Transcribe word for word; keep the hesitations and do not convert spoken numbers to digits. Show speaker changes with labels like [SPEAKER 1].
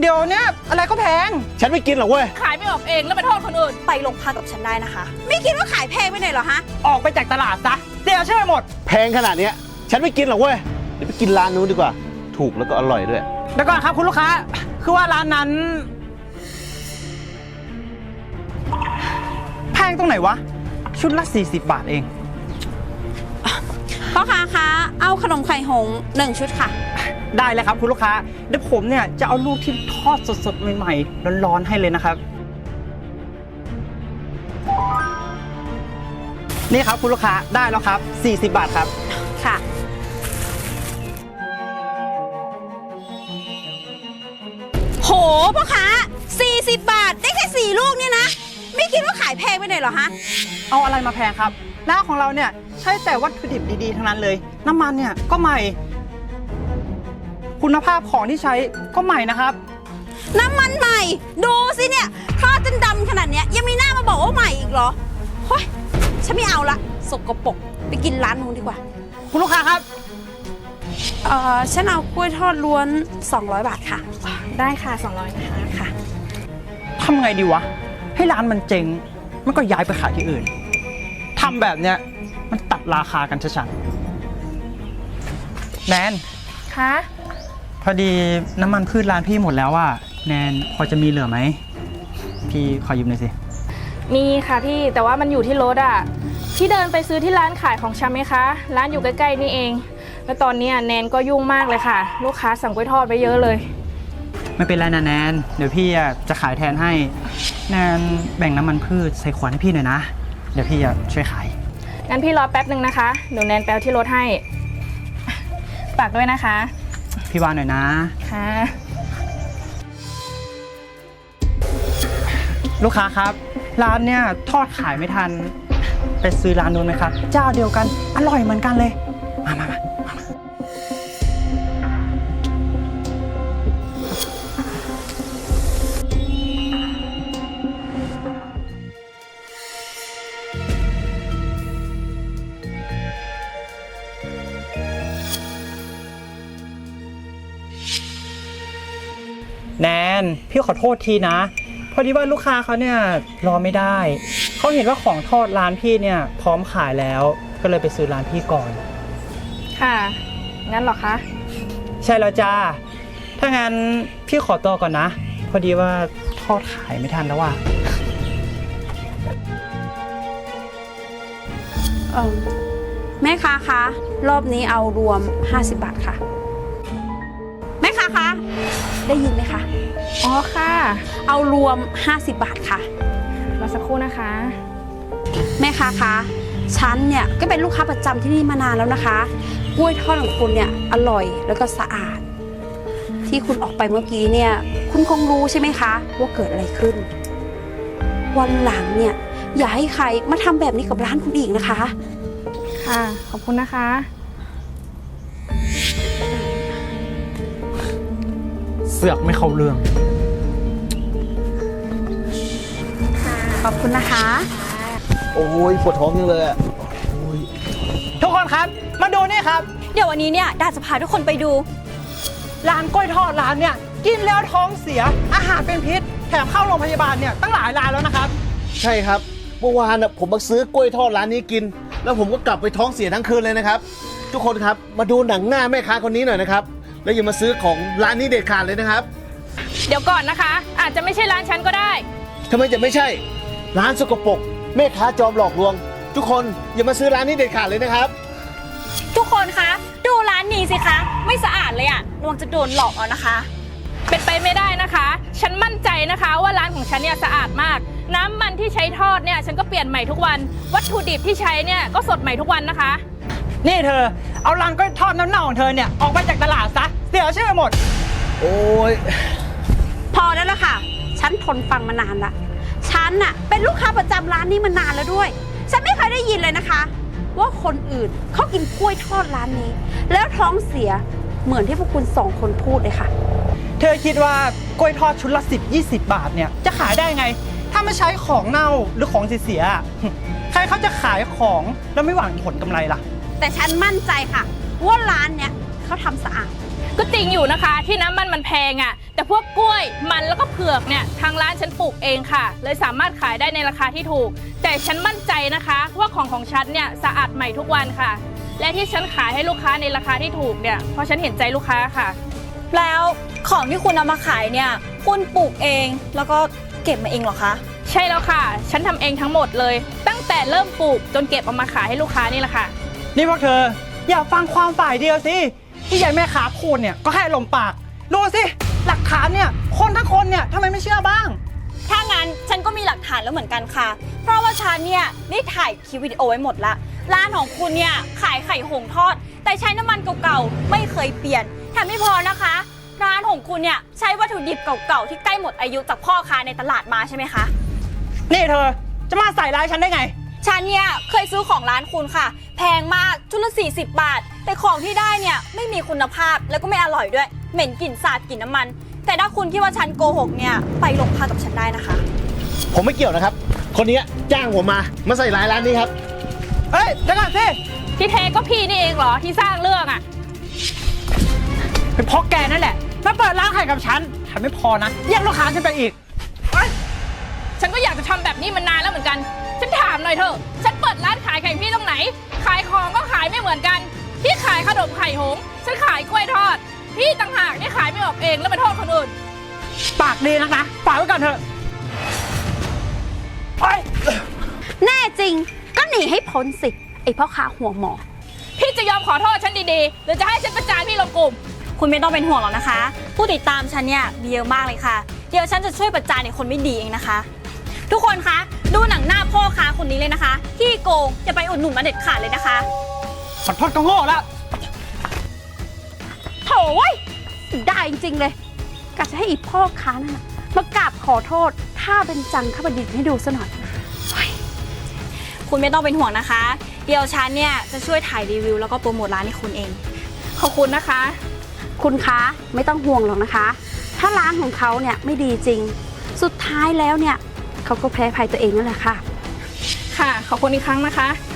[SPEAKER 1] เดี๋ยวเนี้ยอะไรก็แพง
[SPEAKER 2] ฉันไม่กินหรอกเว้ย
[SPEAKER 3] ขายไม่ออกเองแล้วไปโทษคนอื่น
[SPEAKER 4] ไปโรงพักกับฉันได้นะคะไม่คิดว่าขายแพงไปไหนหรอฮะ
[SPEAKER 1] ออกไปจากตลาดซะเสียชื่อหมด
[SPEAKER 2] แพงขนาดเนี้ยฉันไม่กินหรอกเว้ยเดี๋ยวไปกินร้านนู้นดีกว่าถูกแล้วก็อร่อยด้วย
[SPEAKER 1] เดี๋ยวก่อนครับคุณลูกค้าคือว่าร้านนั้นแพงตรงไหนวะชุดละสี่สิบบาทเอง
[SPEAKER 4] พ่อค้าคะเอาขนมไข่หงส์หนึ่งชุดค่ะ
[SPEAKER 1] ได้เลยครับคุณลูกค้าเดี๋ยวผมเนี่ยจะเอาลูกที่ทอดสดๆใหม่ๆร้อนๆให้เลยนะครับนี่ครับคุณลูกค้าได้แล้วครับสี่สิบบาทครับ
[SPEAKER 4] ค่ะโหพ่อค้าสี่สิบบาทได้แค่สี่ลูกเนี่ยนะไม่คิดว่าขายแพงไปไหนหรอฮะ
[SPEAKER 1] เอาอะไรมาแพงครับร้านของเราเนี่ยใช้แต่วัตถุดิบดีๆทั้งนั้นเลยน้ำมันเนี่ยก็ใหม่คุณภาพของที่ใช้ก็ใหม่นะครับ
[SPEAKER 4] น้ำมันใหม่ดูสิเนี่ยทอดจนดำขนาดเนี้ยยังมีหน้ามาบอกว่าใหม่อีกเหรอเฮ้ยฉันไม่เอาละสกปรกไปกินร้านนู้นดีกว่า
[SPEAKER 1] คุณลูกค้าครับ
[SPEAKER 4] เอ่อฉันเอากล้วยทอดล้วนสองร้อยบาทค่ะ
[SPEAKER 3] ได้ค่ะสองร้อยนะคะ
[SPEAKER 4] ค่ะ
[SPEAKER 1] ทำไงดีวะให้ร้านมันเจ๊งมันก็ย้ายไปขายที่อื่นทำแบบเนี้ยมันตัดราคากันชัดๆแนน
[SPEAKER 3] คะ
[SPEAKER 1] พอดีน้ำมันพืชร้านพี่หมดแล้วอ่ะแนนพอจะมีเหลือไหมพี่ขอยืมหน่อยสิ
[SPEAKER 3] มีค่ะพี่แต่ว่ามันอยู่ที่รถอ่ะพี่เดินไปซื้อที่ร้านขายของชำไหมคะร้านอยู่ใกล้ๆนี่เองแล้วตอนนี้แนนก็ยุ่งมากเลยค่ะลูกค้าสั่งกล้วยทอดไปเยอะเลย
[SPEAKER 1] ไม่เป็นไรนะแนนเดี๋ยวพี่จะขายแทนให้แนนแบ่งน้ำมันพืชใส่ขวดให้พี่หน่อยนะเดี๋ยวพี่จะช่วยขาย
[SPEAKER 3] งั้นพี่รอแป๊บหนึ่งนะคะเดี๋ยวแนนแปลที่รถให้ฝากด้วยนะคะ
[SPEAKER 1] พี่วานหน่อยนะ
[SPEAKER 3] ค่ะ
[SPEAKER 1] ลูกค้าครับร้านเนี่ยทอดขายไม่ทันไปซื้อร้านนู้นไหมครับเจ้าเดียวกันอร่อยเหมือนกันเลยมามามาแนนพี่ขอโทษทีนะพอดีว่าลูกค้าเขาเนี่ยรอไม่ได้เขาเห็นว่าของทอดร้านพี่เนี่ยพร้อมขายแล้วก็เลยไปซื้อร้านพี่ก่อน
[SPEAKER 3] ค่ะงั้นหรอคะ
[SPEAKER 1] ใช่แล้วจ้าถ้างั้นพี่ขอตัวก่อนนะพอดีว่าทอดขายไม่ทันแล้วว่ะ
[SPEAKER 4] เออแม่ค้าคะรอบนี้เอารวมห้าสิบบาทค่ะแม่ค้าคะได้ยินไหมคะ
[SPEAKER 3] อ๋อค่ะ
[SPEAKER 4] เอารวมห้าสิบบาทค่ะ
[SPEAKER 3] รอสักครู่นะคะ
[SPEAKER 4] แม่ค้าคะฉันเนี่ยก็เป็นลูกค้าประจำที่นี่มานานแล้วนะคะกล้วยทอดของคุณเนี่ยอร่อยแล้วก็สะอาดที่คุณออกไปเมื่อกี้เนี่ยคุณคงรู้ใช่ไหมคะว่าเกิดอะไรขึ้นวันหลังเนี่ยอย่าให้ใครมาทำแบบนี้กับร้านคุณอีกนะคะ
[SPEAKER 3] ค่ะขอบคุณนะคะ
[SPEAKER 1] เสือกไม่เข้าเรื่อง
[SPEAKER 4] ขอบคุณนะคะ
[SPEAKER 2] โอ้ยปวดท้องยังเลยอ่ะ
[SPEAKER 1] ทุกคนครับมาดูนี่ครับ
[SPEAKER 4] เดี๋ยววันนี้เนี่ยดาจะพาทุกคนไปดู
[SPEAKER 1] ร้านกล้วยทอดร้านเนี่ยกินแล้วท้องเสียอาหารเป็นพิษแถมเข้าโรงพยาบาลเนี่ยตั้งหลายรายแล้วนะครับ
[SPEAKER 2] ใช่ครับเมื่อวานผมมาซื้อกล้วยทอดร้านนี้กินแล้วผมก็กลับไปท้องเสียทั้งคืนเลยนะครับทุกคนครับมาดูหนังหน้าแม่ค้าคนนี้หน่อยนะครับแล้วอย่ามาซื้อของร้านนี้เด็ดขาดเลยนะครับ
[SPEAKER 3] เดี๋ยวก่อนนะคะอาจจะไม่ใช่ร้านฉันก็ได้
[SPEAKER 2] ทำไมจะไม่ใช่ร้านสกปรกแม่ค้าจอมหลอกลวงทุกคนอย่ามาซื้อร้านนี้เด็ดขาดเลยนะครับ
[SPEAKER 4] ทุกคนคะดูร้านนี้สิคะไม่สะอาดเลยอะระวังจะโดนหลอกเอานะคะ
[SPEAKER 3] เป็นไปไม่ได้นะคะฉันมั่นใจนะคะว่าร้านของฉันเนี่ยสะอาดมากน้ำมันที่ใช้ทอดเนี่ยฉันก็เปลี่ยนใหม่ทุกวันวัตถุดิบที่ใช้เนี่ยก็สดใหม่ทุกวันนะคะ
[SPEAKER 1] นี่เธอเอาร้านกล้วยทอดน้ำเน่าของเธอเนี่ยออกไปจากตลาดซะเสียชื่อหมด
[SPEAKER 2] โอ้ย
[SPEAKER 4] พอแล้วล่ะค่ะฉันทนฟังมานานละฉันน่ะเป็นลูกค้าประจำร้านนี้มานานแล้วด้วยฉันไม่เคยได้ยินเลยนะคะว่าคนอื่นเขากินกล้วยทอดร้านนี้แล้วท้องเสียเหมือนที่พวกคุณสองคนพูดเลยค่ะ
[SPEAKER 1] เธอคิดว่ากล้วยทอดชุดละสิบ ยี่สิบบาทเนี่ยจะขายได้ไงถ้าไม่ใช้ของเน่าหรือของเสียๆใครเขาจะขายของแล้วไม่หวังผลกำไรล่ะ
[SPEAKER 4] แต่ฉันมั่นใจค่ะว่าร้านเนี้ยเขาทำสะอาด
[SPEAKER 3] ก็จริงอยู่นะคะที่น้ำมันมันแพงอะ่ะแต่พวกกล้วยมันแล้วก็เผือกเนี่ยทางร้านฉันปลูกเองค่ะเลยสามารถขายได้ในราคาที่ถูกแต่ฉันมั่นใจนะคะว่าของของฉันเนี่ยสะอาดใหม่ทุกวันค่ะและที่ฉันขายให้ลูกค้าในราคาที่ถูกเนี่ยเพราะฉันเห็นใจลูกค้าค่ะ
[SPEAKER 5] แล้วของที่คุณเอามาขายเนี่ยคุณปลูกเองแล้วก็เก็บมาเองเหรอคะ
[SPEAKER 3] ใช่แล้วค่ะ ฉันทำเองทั้งหมดเลย ตั้งแต่เริ่มปลูกจนเก็บเอามาขายให้ลูกค้านี่แหละค่ะ
[SPEAKER 1] นี่พวกเธออย่าฟังความฝ่ายเดียวสิที่ยายแม่ค้าพูดเนี่ยก็ให้ลมปากดูสิหลักฐานเนี่ยคนทั้งคนเนี่ยทำไมไม่เชื่อบ้าง
[SPEAKER 5] ถ้างั้นฉันก็มีหลักฐานแล้วเหมือนกันค่ะ เพราะว่าฉันเนี่ยได้ถ่ายคลิปวิดีโอไว้หมดละร้านของคุณเนี่ยขายไข่หงทอด แต่ใช้น้ำมันเก่าๆไม่เคยเปลี่ยนแถมไม่พอนะคะ ร้านของคุณเนี่ยใช้วัตถุดิบเก่าๆที่ใกล้หมดอายุจากพ่อค้าในตลาดมาใช่ไหมคะ
[SPEAKER 1] นี่เธอจะมาใส่ร้ายฉันได้ไง
[SPEAKER 5] ฉันเนี่ยเคยซื้อของร้านคุณค่ะ แพงมากชุดละสี่สิบบาท แต่ของที่ได้เนี่ยไม่มีคุณภาพแล้วก็ไม่อร่อยด้วยเหม็นกลิ่นสาบกลิ่นน้ำมัน แต่ถ้าคุณคิดว่าฉันโกหกเนี่ยไปโรงพักกับฉันได้นะคะ
[SPEAKER 2] ผมไม่เกี่ยวนะครับ คนนี้จ้างผมมามาใส่ร้ายร้านนี้ครับ
[SPEAKER 1] เฮ้ยเดี๋ยวก่อนสิ
[SPEAKER 3] ที่แท้ก็พี่นี่เองเหรอที่สร้างเรื่องอ่ะ
[SPEAKER 1] เป็นเพราะแกนั่นแหละมาเปิดร้านไข่กับฉันแถมไม่พอนะแย่งลูกค้าฉันไปอีก
[SPEAKER 3] ฉันก็อยากจะทำแบบนี้มานานแล้วเหมือนกัน ฉันถามหน่อยเถอะฉันเปิดร้านขายไข่พี่ตรงไหน ขายของก็ขายไม่เหมือนกัน พี่ขายขนมไข่หงส์ฉันขายกล้วยทอด พี่ต่างหากที่ขายไม่ออกเองแล้วมาโทษคนอื่น
[SPEAKER 1] ปากดีนักนะฝากไว้ก่อนเถอะไป
[SPEAKER 4] แน่จริงก็หนีให้พ้นสิไอพ่อค้าหัวหมอ
[SPEAKER 3] พี่จะยอมขอโทษฉันดีๆหรือจะให้ฉันประจานพี่ลงกลุ่ม
[SPEAKER 5] คุณไม่ต้องเป็นห่วงหรอกนะคะ ผู้ติดตามฉันเนี่ยมีเยอะมากเลยค่ะ เดี๋ยวฉันจะช่วยประจานในคนไม่ดีเองนะคะ ทุกคนคะดูหนังหน้าพ่อค้าคนนี้เลยนะคะที่โกงอย่าไปอุดหนุนมาเด็ดขาดเลยนะคะ
[SPEAKER 1] ขอโทษก็โง่แล้ว
[SPEAKER 4] โถ่เว้ยได้จริงๆเลยกะจะให้อีพ่อค้านั่นน่ะมากราบขอโทษถ้าเป็นจังข้าบดินให้ดูซะหน่อย
[SPEAKER 5] คุณไม่ต้องเป็นห่วงนะคะ เดี๋ยวฉันเนี่ยจะช่วยถ่ายรีวิวแล้วก็โปรโมทร้านให้คุณเอง
[SPEAKER 3] ขอบคุณนะคะ
[SPEAKER 4] คุณคะไม่ต้องห่วงหรอกนะคะ ถ้าร้านของเขาเนี่ยไม่ดีจริง สุดท้ายแล้วเนี่ยเขาก็แพ้ภัยตัวเองนั่นแหละค่ะ
[SPEAKER 3] ค่ะ ขอบคุณอีกครั้งนะคะ